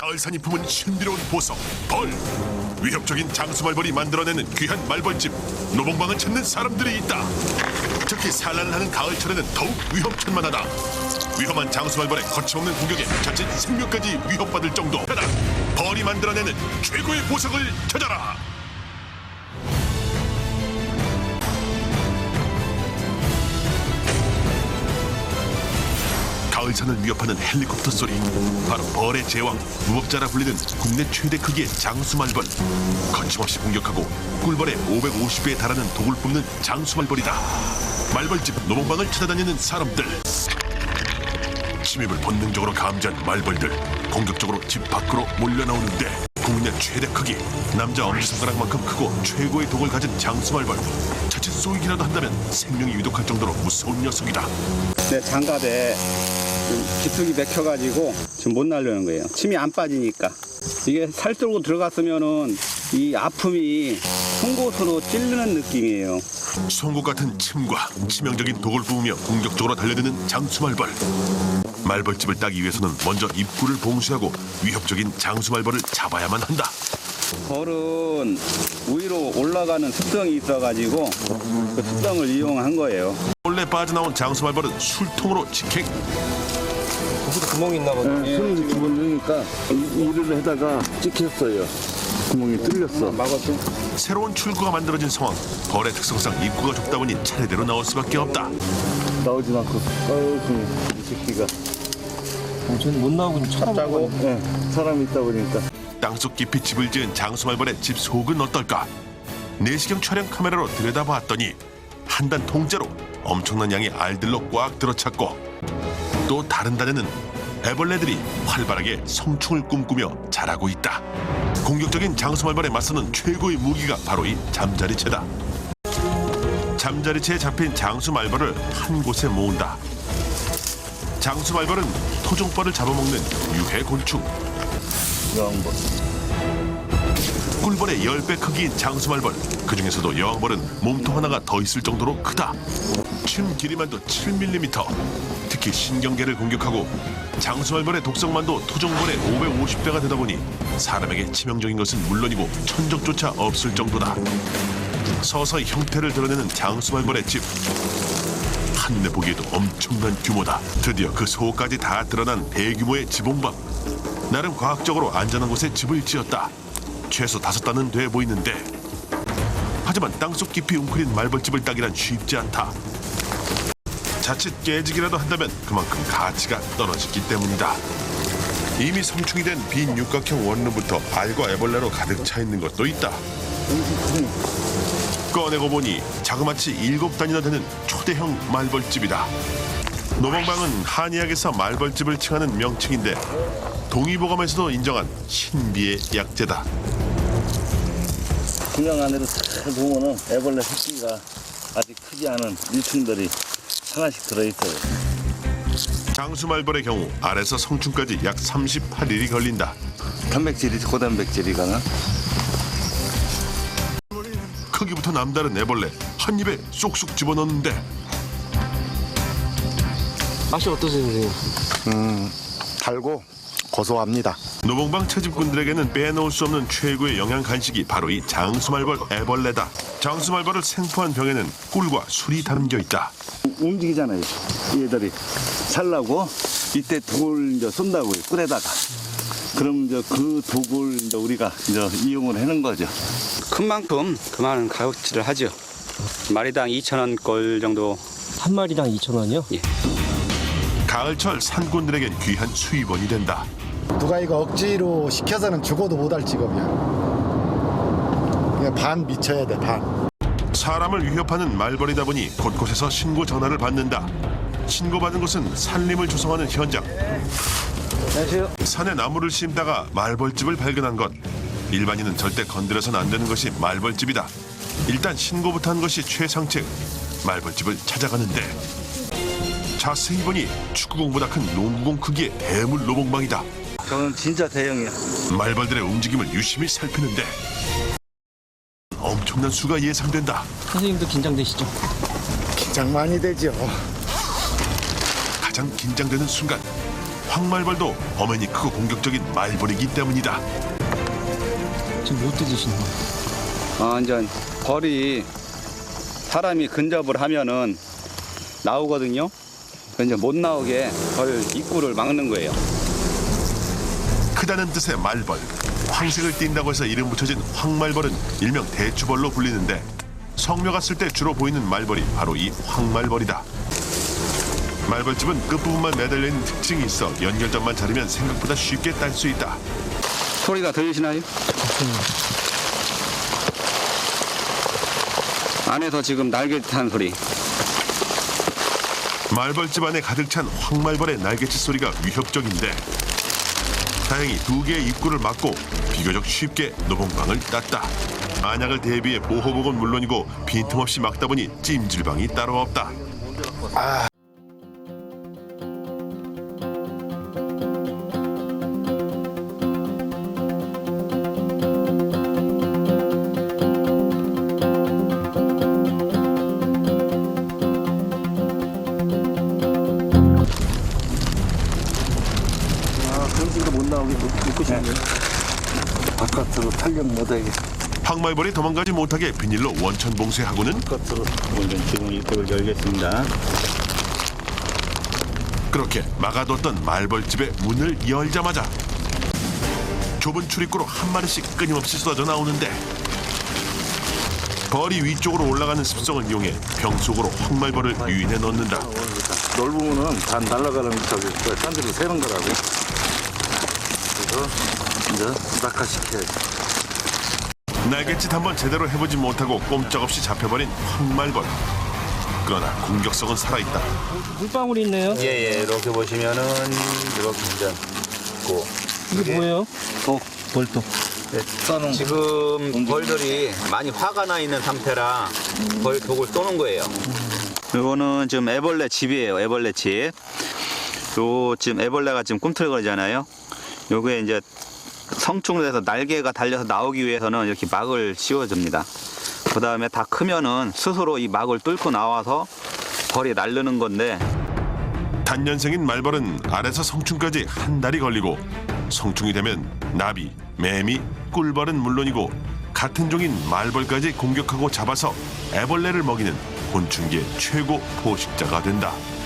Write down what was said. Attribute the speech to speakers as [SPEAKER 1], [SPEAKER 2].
[SPEAKER 1] 가을산이 품은 신비로운 보석 벌. 위협적인 장수말벌이 만들어내는 귀한 말벌집. 노봉방을 찾는 사람들이 있다. 특히 산란하는 가을철에는 더욱 위험천만하다. 위험한 장수말벌의 거침없는 공격에 자칫 생명까지 위협받을 정도. 벌이 만들어내는 최고의 보석을 찾아라. 가을산을 위협하는 헬리콥터 소리. 바로 벌의 제왕, 무법자라 불리는 국내 최대 크기의 장수말벌. 거침없이 공격하고 꿀벌의 550배에 달하는 독을 뿜는 장수말벌이다. 말벌집 노봉방을 찾아다니는 사람들. 침입을 본능적으로 감지한 말벌들 공격적으로 집 밖으로 몰려나오는데, 국내 최대 크기, 남자 엄지손가락만큼 크고 최고의 독을 가진 장수말벌. 자칫 쏘이기라도 한다면 생명이 위독할 정도로 무서운 녀석이다.
[SPEAKER 2] 내 장갑에 기숙이 맥혀가지고 지금 못 날려는 거예요. 침이 안 빠지니까. 이게 살 뚫고 들어갔으면은 이 아픔이 송곳으로 찌르는 느낌이에요.
[SPEAKER 1] 송곳 같은 침과 치명적인 독을 뿜으며 공격적으로 달려드는 장수말벌. 말벌집을 따기 위해서는 먼저 입구를 봉쇄하고 위협적인 장수말벌을 잡아야만 한다.
[SPEAKER 2] 벌은 위로 올라가는 습성이 있어가지고 그 습성을 이용한 거예요.
[SPEAKER 1] 원래 빠져나온 장수말벌은 술통으로 직행.
[SPEAKER 3] 거기도 구멍이 있나 보네.
[SPEAKER 4] 손이 두 번 넣으니까 일을 하다가 찍혔어요. 구멍이 뚫렸어.
[SPEAKER 2] 막았죠?
[SPEAKER 1] 새로운 출구가 만들어진 상황. 벌의 특성상 입구가 좁다 보니 차례대로 나올 수밖에 없다.
[SPEAKER 4] 나오진 않고. 이 새끼가.
[SPEAKER 3] 저는 못 나오고
[SPEAKER 4] 짜고 사람이 있다 보니까.
[SPEAKER 1] 땅속 깊이 집을 지은 장수말벌의 집 속은 어떨까? 내시경 촬영 카메라로 들여다봤더니 한 단 통째로 엄청난 양의 알들로 꽉 들어찼고, 또 다른 단에는 애벌레들이 활발하게 성충을 꿈꾸며 자라고 있다. 공격적인 장수말벌에 맞서는 최고의 무기가 바로 이 잠자리채다. 잠자리채에 잡힌 장수말벌을 한 곳에 모은다. 장수말벌은 토종벌을 잡아먹는 유해 곤충.
[SPEAKER 4] 여왕벌.
[SPEAKER 1] 꿀벌의 10배 크기인 장수말벌. 그 중에서도 여왕벌은 몸통 하나가 더 있을 정도로 크다. 침 길이만도 7mm. 특히 신경계를 공격하고 장수말벌의 독성만도 토종벌의 550배가 되다 보니 사람에게 치명적인 것은 물론이고 천적조차 없을 정도다. 서서히 형태를 드러내는 장수말벌의 집. 한눈에 보기에도 엄청난 규모다. 드디어 그 속까지 다 드러난 대규모의 지붕밥. 나름 과학적으로 안전한 곳에 집을 지었다. 최소 5단은 돼 보이는데, 하지만 땅속 깊이 웅크린 말벌집을 따기란 쉽지 않다. 자칫 깨지기라도 한다면 그만큼 가치가 떨어지기 때문이다. 이미 성충이 된 빈 육각형 원룸부터 알과 애벌레로 가득 차 있는 것도 있다. 꺼내고 보니 자그마치 7단이나 되는 초대형 말벌집이다. 노봉방은 한의학에서 말벌집을 칭하는 명칭인데, 동의보감에서도 인정한 신비의 약재다.
[SPEAKER 4] 중앙 안으로 잘 보면은 애벌레 새끼가 아직 크지 않은 일충들이 하나씩 들어있어요.
[SPEAKER 1] 장수말벌의 경우 알에서 성충까지 약 38일이 걸린다.
[SPEAKER 4] 단백질이 고단백질이거나.
[SPEAKER 1] 크기부터 남다른 애벌레 한 입에 쏙쏙 집어넣는데,
[SPEAKER 3] 맛이 어떠세요, 선생님?
[SPEAKER 5] 달고 고소합니다.
[SPEAKER 1] 노봉방 채집꾼들에게는 빼놓을 수 없는 최고의 영양 간식이 바로 이 장수말벌 애벌레다. 장수말벌을 생포한 병에는 꿀과 술이 담겨 있다.
[SPEAKER 4] 움직이잖아요. 얘들이 살라고 이때 독을 이제 쏜다고요. 꿀에다가. 그럼 이제 그 독을 이제 우리가 이제 이용을 하는 거죠.
[SPEAKER 2] 큰 만큼 그만한 가격치를 하죠. 마리당 2,000원꼴 정도.
[SPEAKER 3] 한 마리당 2,000원이요?
[SPEAKER 2] 예.
[SPEAKER 1] 가을철 산꾼들에겐 귀한 수입원이 된다.
[SPEAKER 5] 누가 이거 억지로 시켜서는 죽어도 못할 직업이야. 그냥 반 미쳐야 돼, 반.
[SPEAKER 1] 사람을 위협하는 말벌이다 보니 곳곳에서 신고 전화를 받는다. 신고받은 곳은 산림을 조성하는 현장.
[SPEAKER 4] 안녕하세요.
[SPEAKER 1] 산에 나무를 심다가 말벌집을 발견한 것. 일반인은 절대 건드려서는 안 되는 것이 말벌집이다. 일단 신고부터 한 것이 최상책. 말벌집을 찾아가는데, 자세히 보니 축구공보다 큰 농구공 크기의 대물 노봉방이다.
[SPEAKER 4] 저는 진짜 대형이야.
[SPEAKER 1] 말벌들의 움직임을 유심히 살피는데 엄청난 수가 예상된다.
[SPEAKER 3] 선생님도 긴장되시죠?
[SPEAKER 5] 긴장 많이 되죠.
[SPEAKER 1] 가장 긴장되는 순간, 황말벌도 엄연히 크고 공격적인 말벌이기 때문이다.
[SPEAKER 3] 지금 못 뜯으시는 거예요?
[SPEAKER 2] 이제 벌이 사람이 근접을 하면은 나오거든요. 이제 못 나오게 벌 입구를 막는 거예요.
[SPEAKER 1] 크다는 뜻의 말벌, 황색을 띈다고 해서 이름 붙여진 황말벌은 일명 대추벌로 불리는데 성묘가 쓸 때 주로 보이는 말벌이 바로 이 황말벌이다. 말벌집은 끝부분만 매달려 있는 특징이 있어 연결점만 자르면 생각보다 쉽게 딸 수 있다.
[SPEAKER 2] 소리가 들리시나요? 안에서 지금 날개 타는 소리.
[SPEAKER 1] 말벌집 안에 가득 찬 황말벌의 날개짓 소리가 위협적인데 다행히 2개의 입구를 막고 비교적 쉽게 노봉방을 땄다. 안약을 대비해 보호복은 물론이고 빈틈없이 막다 보니 찜질방이 따로 없다.
[SPEAKER 3] 당신도 못 나오게 묶으시는 거예요?
[SPEAKER 4] 바깥으로 탄력 못하게.
[SPEAKER 1] 황말벌이 도망가지 못하게 비닐로 원천 봉쇄하고는
[SPEAKER 4] 바깥으로.
[SPEAKER 2] 지금 입구를 열겠습니다.
[SPEAKER 1] 그렇게 막아뒀던 말벌집의 문을 열자마자 좁은 출입구로 한 마리씩 끊임없이 쏟아져 나오는데 벌이 위쪽으로 올라가는 습성을 이용해 병 속으로 황말벌을 유인해 넣는다.
[SPEAKER 4] 넓으면은 다 날아가는 저기 산들이 새는 거라고. 그래서 이제 낙하시켜야지.
[SPEAKER 1] 날갯짓 한번 제대로 해보지 못하고 꼼짝없이 잡혀버린 황말벌. 그러나 공격성은 살아있다.
[SPEAKER 3] 물방울이 있네요.
[SPEAKER 6] 예, 이렇게 보시면은 이렇게 이제 있고
[SPEAKER 3] 이게 뭐예요?
[SPEAKER 6] 벌도. 지금 벌들이 많이 화가 나 있는 상태라 벌 독을 쏘는 거예요. 이거는 지금 애벌레 집이에요. 애벌레 집. 요 지금 애벌레가 지금 꿈틀거리잖아요. 요게 이제 성충돼서 날개가 달려서 나오기 위해서는 이렇게 막을 씌워줍니다. 그 다음에 다 크면은 스스로 이 막을 뚫고 나와서 벌이 날르는 건데
[SPEAKER 1] 단년생인 말벌은 알에서 성충까지 한 달이 걸리고 성충이 되면 나비, 매미, 꿀벌은 물론이고 같은 종인 말벌까지 공격하고 잡아서 애벌레를 먹이는 곤충계 최고 포식자가 된다.